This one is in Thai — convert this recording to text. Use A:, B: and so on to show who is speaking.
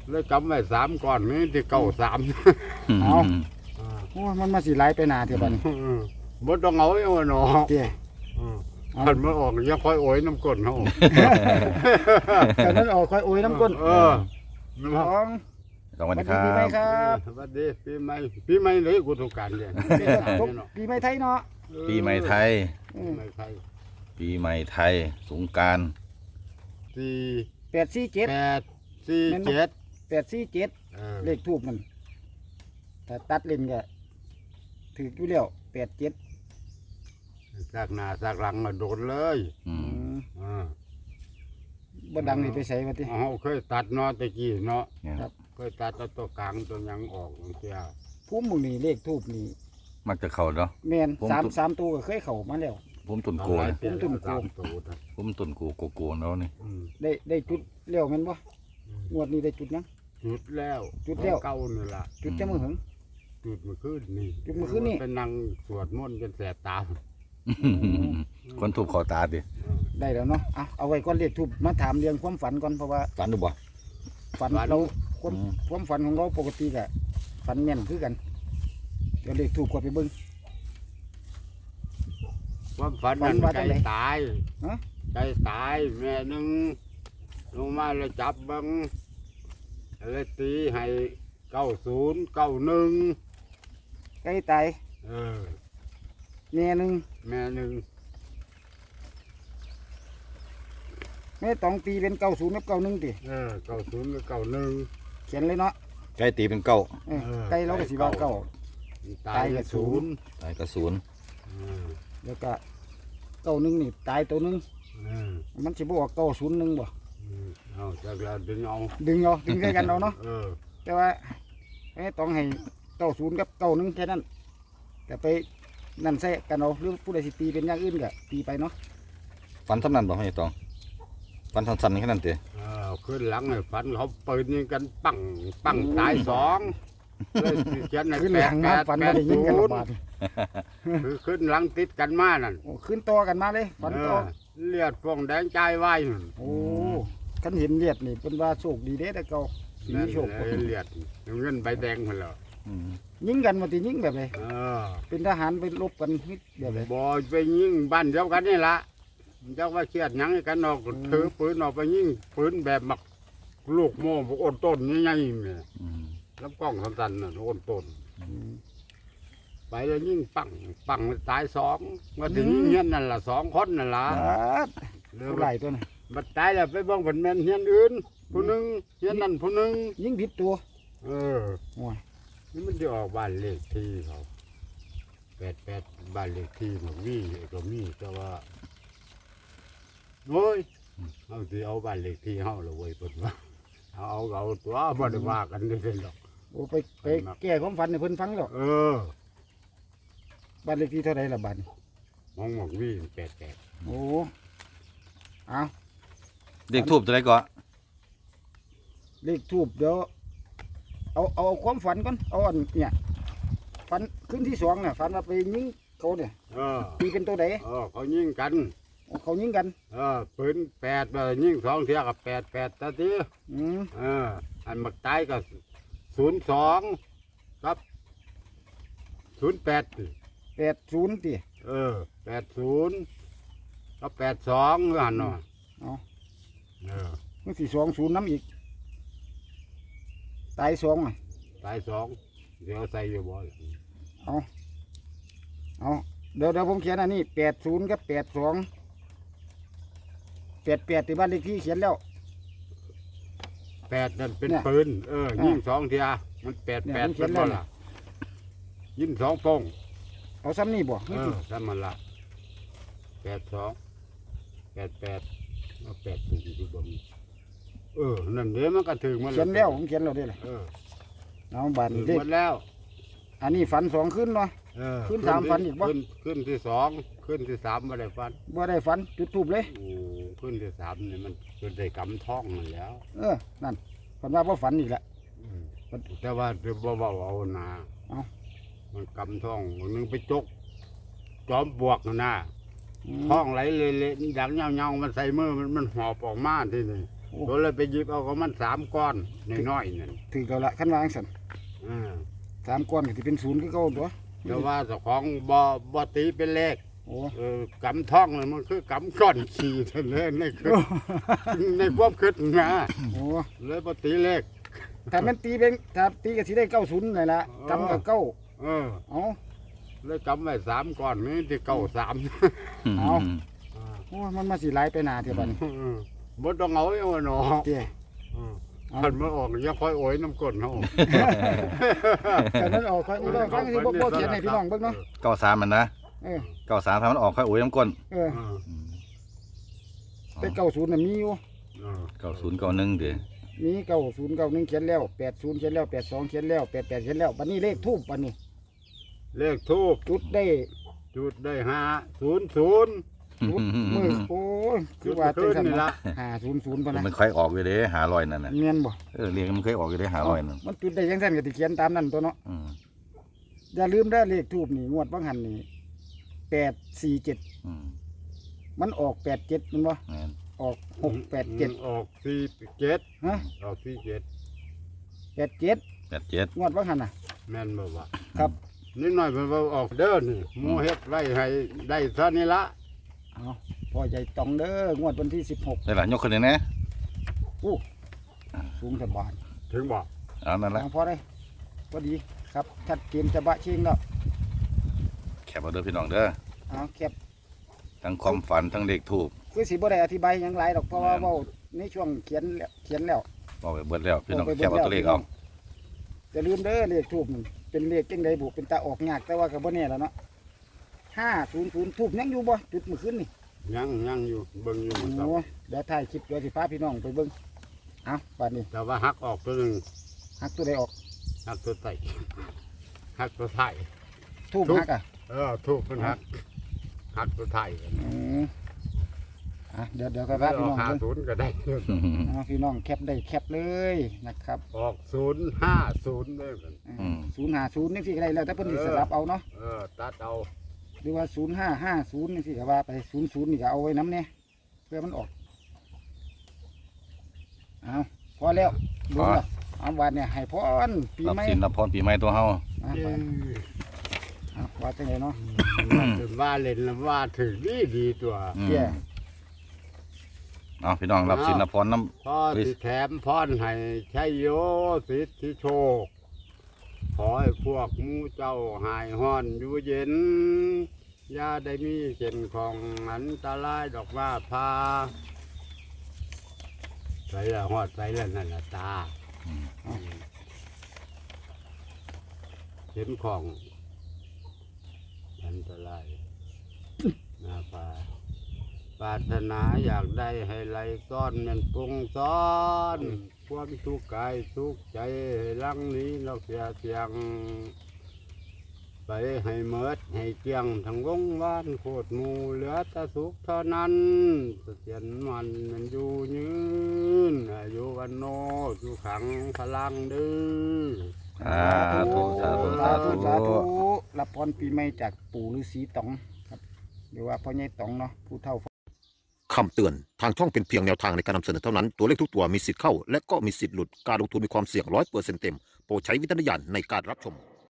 A: เลยกำไว้3ก้อนนี่ที่เก่า3
B: เอาโอ้มันมาสิไหลไปหนาเถอะบัดนี้
A: บ่ต้องเอาเอาเนาะ
B: เจ้
A: คันมันออกยังค่อยโอยน้ำก้นเฮา
B: แต่นั้นออกค่อยโอยน้ำก้น
A: สอง
C: สวัสดีค
B: ปีใหม่
C: รับ
B: ครับ
A: สวัสดีปีใหม่เลยกูต้องการเนี่ย
B: ปีใหม่ไทยเนาะ
C: ปีใหม่ไทย
A: ปีใหม่ไทย
C: ปีใหม่ไทยสงกรานต์
A: 4
B: 847
A: 8 4 7
B: 847เลขทูบมันถ้าตัดเล่นก็ถืออยู่แล้ว87
A: ซากหน้าซากหลังมาโดนเลย
C: อืม
B: บ่ดังนี่ไปใส่ว่าติ
A: เฮาเคยตัดเนาะตะกี้เนาะ
C: เนี่ย
B: ครับ
A: เคยตัดตัวกลางตัวหยังออกเสีย
B: ภูมิหมู่นี่เลขทูบนี่
C: มักจะเข่าเนาะ
B: แม่น
C: ผม
B: 3ตัวก็เคยเข้ามาแล้ว
C: ผมตุนโกนะ
B: ผมตุ่นโก
C: ผมตุนโกโกเนาะนี่
B: ได้จุดแล้วแม่นบ่งวดนี้ได้จุดยัง
A: จุดแล้ว
B: จุดแล้ว
A: เก่านี่ล่ะ
B: จุดจะมื้อหึง
A: จุดเมื่อคืนนี่
B: จุดเมื่อคืนนี่
A: เป็นนั่งสวดมนต์จนแสบตา
C: คนถูกขอตาดิ
B: ได้แล้วเนาะเอาไว้ก่อนเลขทูบมาถามเรื่องความฝันก่อนเพราะว่า
C: ฝันดูบ่
B: ฝันเราความฝันของเราปกติก็ฝันแม่นคือกันเดี๋ยวเลขทูบกดไปเบิ่ง
A: ความฝัน
B: ฝั
A: นั้น น
B: ว่า
A: ไก่
B: จังใด
A: ตาย
B: ฮะ
A: ไก่ตายแม่หนึงลงมาแล้วจับเบังเลยตีให้90 91
B: ใกล้ตาย
A: เออ
B: แม่หนึง
A: แม่หนึง
B: แม่ต้องตีเป็น90กับ91ติ
A: 90กับ91
B: เขียนเลยเนาะ
C: ใกล้ตีเป็นเก้า
B: ใกล้เราก็สิว่าเก้า
A: ตายกับศูนย์
C: ตายกระสุน
B: แล้วก็91นี่ตายตัวหนึงมันสิบ่ออก901บ่
A: เอาจากแล้วดึงเอา
B: ดึงใส่กันเอาเนาะ
A: เออ
B: แต่ว่าแม่ต้องให้90กับ91แค่นั้นแต่ไปนั่นใส่กันเอาหรือผู้ใดสิตีเป็นอย่างอื่นก็ตีไปเนาะ
C: ฝันเท่านั้นบ่ให้ตองฝันสั้นๆแค่นั้นเตะ
A: ขึ้นหลังให้ฝันเขาปืนยิงกันปังปังตาย2เลยสิเขียนให้
B: ขึ้นหลังมาฝันบ่ได้ยินกันระบาด
A: คือขึ้นหลังติดกันมานั่น
B: โอ้ขึ้นต่อกันมาเลยฝันต่อ
A: เลือดฟองแดงใจไว้นั่น
B: โอ้คันเห็นเลียดนี่เป็นว่าโชคดีเด้แต่เก่าสี
A: นั่น
B: โชค
A: เลยเลือดเงินใบแดงมาแล้ว
B: ยิงกันมาตียิงแบบไหน
A: เออ
B: เป็นทหารไปรบกันนิดแบบไหน
A: บ่ไปยิงบ้านเดียวกันนี่ละเจ้าว่าเครียดหยังให้กันออกถือปืนออกไปยิงปืนแบบมักลูกโม่พวกอ้นต้นใหญ่ๆเนี่ยลำกล้องสั้นๆน่ะอ้นต้น ไปแล้วยิ่งปังตาย2ว่าถึงเฮียนนั่นล่ะ2คนนั่นล่ะ
B: เรือไหลตัวน่ะ
A: บัดตายแล้วไปเบิ่งเพิ่นแม่นเฮียนอื่นผู้หนึงเฮียนนั่นผู้หนึง
B: ยิงผิดตัว
A: เออ
B: โอ้ย
A: นี่มันจะออกบ้านเลขที่เขา88บ้านเลขที่มันมีก็มีแต่ว่าโอ้ยเอาสิเอาบ้านเลขที่เฮาละเว้ยเพิ่นว่าเอาตัวบ่ได้ว่ากันได้หรอก
B: โอ้ไปแก้ความฝันให้เพิ่นฟังแล้ว
A: เออ
B: บ้านเลขที่เท่าไหร่ละบ้าน
A: มองวี88
B: โอ้เอา
C: เด็กทูบตัวไหนก่อน
B: เลขทูบเดี๋ยวเอาความฝันก่อนเอาอันเนี่ยฝันขึ้นที่2น่ะฝันว่าไปยิงเขาเนี่ย
A: เออ
B: ตีเป็นตัวใด
A: เขายิงกัน
B: เขายิงกัน
A: ปืน8ยิง2เที่ยกับ88ตะที
B: อืม
A: อันมักตายก็02ครับ08
B: 80ติ
A: 80ก็82หั่นเนาะ
B: เอา
A: เออ
B: มันสิ20น้ำอีกตาย2อ่ะ
A: ตาย2เดี๋ยวใส่อยู่บ่ล่ะ
B: เอาเดี๋ยวผมเขียนอันนี้80กับ82 88ที่บ้านเลขที่เขียนแล้ว
A: 8นั่นเป็น
B: เนี่ย
A: ปืนยิง2เที่ยมัน
B: เนี่ยมัน
A: 88
B: เขี
A: เป็
B: ยน
A: น
B: แล้ว
A: บ่ล่ะยิง2ป้อง
B: เอาซ้ำนี่บ่
A: ซ้ำมันละ82 88เอา80อยู่บ่มีนั่นเด้มันก็ถึงมัน
B: เขียนแล้วผมเขียนแล้วได้เลย
A: เออ
B: เอาบัน
A: ถึง
B: เลข
A: หมดแล้ว
B: อันนี้ฝัน2ขึ้นเนาะ ขึ้นสามฟันอีกบ่
A: ขึ้นที่2ขึ้นที่3บ่ได้ฟัน
B: บ่ได้ฝันจุดทูบเลย
A: โอ้ขึ้นที่3นี่มันก็ได้กำท้องนั่นแล้ว
B: นั่นฝันว่าบ่ฝันอีกละ
A: แต่ว่าบ่เว้าเอานะ
B: เอา
A: มันกำท้องวันนึงไปจกจอมบวกน่ะนะ
B: อืม
A: ท้องไหลเละๆดังเงาๆมันใส่มือมันหอบออกมาทีนี่ก็เลยไปหยิบเอาของมัน3ก้อนน้อยๆนั่น
B: ถือเก่าละขั้นวาจั่งสั่น
A: อ่า
B: 3ก้อนก็สิเป็น0คือเก่าตัว
A: แต่ว่าเจ้าของบ่ตีเป็นเลข
B: โอ้
A: กำท่องเลยมันคือกำก้อนขี่เท่านั้นในคือในความคิดนะ
B: โอ้
A: เลยบ่ตีเลข
B: ถ้ามันตีเป็นถ้าตีก็สิได้90นั่นล่ะกำกับเก้า
A: เออ
B: เอา
A: เลยกำไว้3ก้อนนี่ที่เก้า3
B: เอา โอ้ยมันมาสิหลายไปหน้าเท่าบัดนี้
A: บ่ต้องเอาไอ้ว่าเนาะ
B: เด้
A: คันมันออกอย่าค่อยโอยน้ำก้นเฮา
B: แต่มันออกค่อยลองฟังสิบ่เขียนให้พี่น้องเบิ่งเนาะ
C: 93มันนะ
B: เออ
C: 93ถ้ามันออกค่อยโอ้ยน้ำก้น
B: เออแต่90น่ะมีอยู่
C: 90 91เด้อ
B: มี90 91เขียนแล้ว80เขียนแล้ว82เขียนแล้ว88เขียนแล้วบัดนี้เลขทูปบัดนี้
A: เลขทูบ
B: จุดได้
A: จุดได้500
B: จุดมือโอ้ยคือว่าจังซั่น
A: นี่
B: ล่ะ
A: ละ
B: 500ปะนะ
C: มันค่อยออกอยู่เด้500นั่นน่ะ
B: แม่นบ่
C: เรียกมันเคยออกอยู่เด้500นั่น
B: มันจุดได้จังซั่นก็สิเขียนตามนั้นตัวเนาะ
C: อืม
B: อย่าลืมเด้อเลขทูปนี่งวดบางหันนี่847
C: อืม
B: มันออก87แม่นบ่
C: แม่น
B: ออก687
A: ออก47
B: ฮะ
A: ออก47
C: 87
B: งวดบางหันน่ะ
A: แม่นบ่วะ
B: ครับ
A: นิดหน่อยเพิ่นว่าออกเด้อนี่หมู่เฮ็ดไว้ให้ได้ซะนี่ละ
B: เอาพ่อใหญ่ตองเด้องวดวันที่16
C: ได้ล่ะยกขึ้นเลยนะ
B: อู้สูงสบาย
A: ถึงบอก
C: เอานั่นแหละ
B: พอได้พอดีครับชัดเจนจะบะเชิงแล้ว
C: แคบเอาเด้อพี่น้องเด้อ
B: เอาแคบ
C: ทั้งความฝันทั้งเลขทูบ
B: คือสิบ่ได้อธิบายหยังหลายดอกเพราะว่าเว้าในช่วงเขียนแล้ว
C: บอกไปเบิดแล้วพี่น้อง
B: ไป
C: แคบเอาตัวเลขเอา
B: จะลืมเด้อเลขทูบเป็นเลขจังไดบุเป็นตาออกยากแต่ว่าก็บ่แน่แล้วเนาะ500ทูบยังอยู่บ่จุดเมื่อคืนนี่
A: ยังอยู่เบิ่งอยู่มื้อ
B: โอ้
A: เช้า
B: เดี๋ยวถ่ายคลิปเดี๋ยวสิพาพี่น้องไปเบิ่งเอาบัดนี้
A: แต่ว่าหักออกตัวหนึง
B: หักตัวใดออก
A: หักตัวใต้หักตัวท้าย
B: ทูบหักอ่ะ
A: ถูกเพิ่นหักตัวท้าย
B: อืมเดี๋ยวก็พาพี่น้องเบิ่ง
A: 50ก็ได้
B: เอาพี่น้องแคปได้แคปเลยนะครับ
A: ออก050ได้เพิ่น
B: 050นี่สิก็ได้แล้วแต่เพิ่นสิสลับเอาเนาะ
A: ตัดเอา
B: หรือว่า0550นี่สิก็ว่าไป00นี่ก็เอาไว้น้ำเนี่ยเพื่อมันออกเอาพอแล้วดูแล้วเอาวันเนี่ยให้พรปี
C: รับ
B: ใหม่
C: สินรับพรปีใหม่ตัวเฮา
B: อ่ะไปเอาว่าจังไดเนาะ
A: ว่าเล่นแล้วว่าถึงดีตัว
C: อืม
B: เตี้ย
C: เอาพี่น้องรับสินรับพรน้
A: พ่อสิแถมพรให้ชัยโยสิทธิโชค ขอให้พวกหมูเจ้าหายห้อนอยู่เย็น อย่าได้มีเช่นของอันตรายดอกว่าพาใส่ละหอดใส่ละนั่นละตาเห็นของอันตรายหน้าพาปรารถนาอยากได้ให้ไหลซ้อนแมันปรุงซ้อนความทุกข์กายทุกข์ใจให้ลังนี้เราเสียเสียง ไปให้เมิดให้เกียงทั้งวงวานโคตรหมูเหลือแต่สุขเท่านั้นเสถียรมันอยู่ยืนอายุวันโนอยู่ขังพลังดื้อ
C: ำสาธุสาธุสาธุ
B: รับพรปีใหม่จากปู่ฤาษีต๋องครับหรือว่าพ่อใหญ่ต๋องเนาะผู้เฒ่า
D: คำเตือน ทางช่องเป็นเพียงแนวทางในการนำเสนอเท่านั้น ตัวเลขทุกตัวมีสิทธิ์เข้า และก็มีสิทธิ์หลุด การลงทุนมีความเสี่ยง100%เต็ม โปรดใช้วิจารณญาณในการรับชม